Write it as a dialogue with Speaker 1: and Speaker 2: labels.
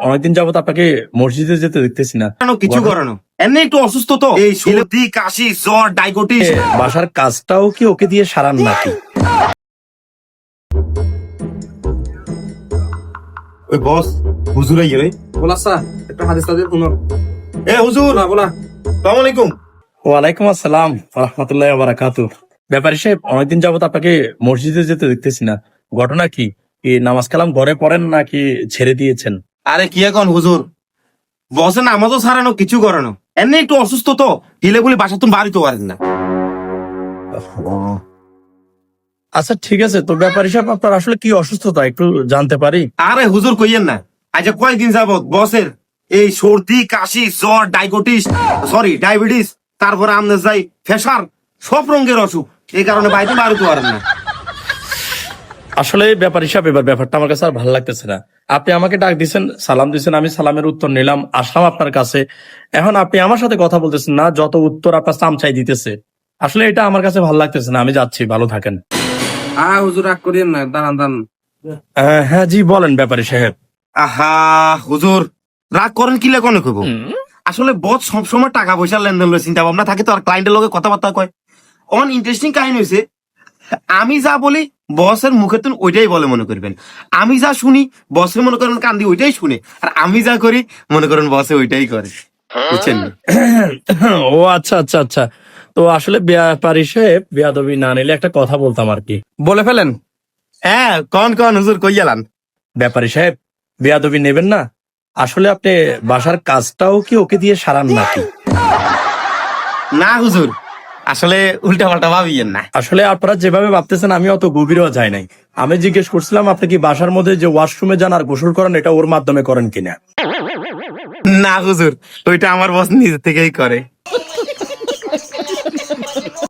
Speaker 1: অনেকদিন যাবত আপনাকে মসজিদে যেতে দেখতেছি না।
Speaker 2: কিছু করানো এমনি একটু অসুস্থ তো, এই সর্দি কাশি জ্বর ডায়াবেটিস।
Speaker 1: বাসার কাজটাও কি ওকে দিয়ে সারান নাকি?
Speaker 2: ওই বস হুজুর আইয়ে রে।
Speaker 3: बोला सा একটা হাদিস তাদের পুনর
Speaker 2: এ হুজুর,
Speaker 3: না বলা
Speaker 2: আসসালামু আলাইকুম।
Speaker 1: ওয়ালাইকুম আসসালাম রাহমাতুল্লাহি ওয়া বারাকাতুহু। ব্যাপারী সাহেব, অনেকদিন যাবত আপনাকে মসজিদে যেতে দেখতেছি না, ঘটনা কি? নামাজ কালাম ঘরে পড়েন নাকি ছেড়ে দিয়েছেন?
Speaker 2: আরে কি এখন হুজুর, বসের নামাজও সারানো কিছু করানো এমনি একটু অসুস্থ তো, হিলে বলে বাসা তুমি বাড়িতে পারেন না।
Speaker 1: আচ্ছা ঠিক আছে, তো ব্যাপারী সাহেব আপনার আসলে কি অসুস্থতা একটু জানতে পারি?
Speaker 2: আরে হুজুর কইয়েন না, আজ কয়েকদিন যাবত বসের এই সর্দি কাশি জ্বর ডায়াবেটিস, তারপরে আমনে যাই ফেসার, সব রঙের অসুখ, এই কারণে বাড়িতে বাড়িতে পারেন না।
Speaker 1: আসলে ব্যাপারী সাহেব, এবার ব্যাপারটা আমার কাছে আর ভালো লাগতেছে না। আপনি আমাকে ডাক দিয়েছেন, সালাম দিয়েছেন, আমি সালামের উত্তর নিলাম, আসলাম আপনার কাছে। এখন আপনি আমার সাথে কথা বলতেছেন না, যত উত্তর আপনার চামচাই দিতেছে। আসলে এটা আমার কাছে ভালো লাগতেছে না, আমি যাচ্ছি, ভালো থাকেন।
Speaker 3: হুজুর রাগ করিয়েন না, দাঁড়ান দাঁড়ান।
Speaker 1: হ্যাঁ জি বলেন ব্যাপারী সাহেব।
Speaker 2: আহা হুজুর, রাগ করেন কি লেখনে কইব, আসলে বস সবসময় টাকা পয়সার লেনদেন লয়ে চিন্তা ভাবনা থাকে তো, আর ক্লায়েন্টের লগে কথাবার্তা কয়। অন ইন্টারেস্টিং কাহিনী হয়েছে, আমি যা বলি বসের মুখে তুমি ওইটাই বলে মনে করবেন, আমি যা শুনি বসে মনে করেন কান্দি ওইটাই শুনে, আর আমি যা করি মনে করেন বসে ওইটাই করে, বুঝছেন?
Speaker 1: ও আচ্ছা আচ্ছা আচ্ছা, তো আসলে ব্যাপারী সাহেব বেয়াদবি না নিলে একটা কথা বলতাম আর কি।
Speaker 3: বলে ফেলেন।
Speaker 2: হ্যাঁ কন কন হুজুর কই গেলান?
Speaker 1: ব্যাপারী সাহেব বেয়াদবি নেবেন না, আসলে আপনি বাসার কাজটাও কি ওকে দিয়ে সারান নাকি?
Speaker 2: না হুজুর, আসলে উল্টা পাল্টা ভাবিয়েন না।
Speaker 1: আসলে আপনারা যেভাবে ভাবতেছেন আমি অত গভীরও যাই নাই। আমি জিজ্ঞেস করছিলাম আপনি কি বাসার মধ্যে যে ওয়াশরুমে যান আর গোসল করেন এটা ওর মাধ্যমে করেন কিনা?
Speaker 2: না হুজুর, ওইটা আমার বস নিজে থেকেই করে।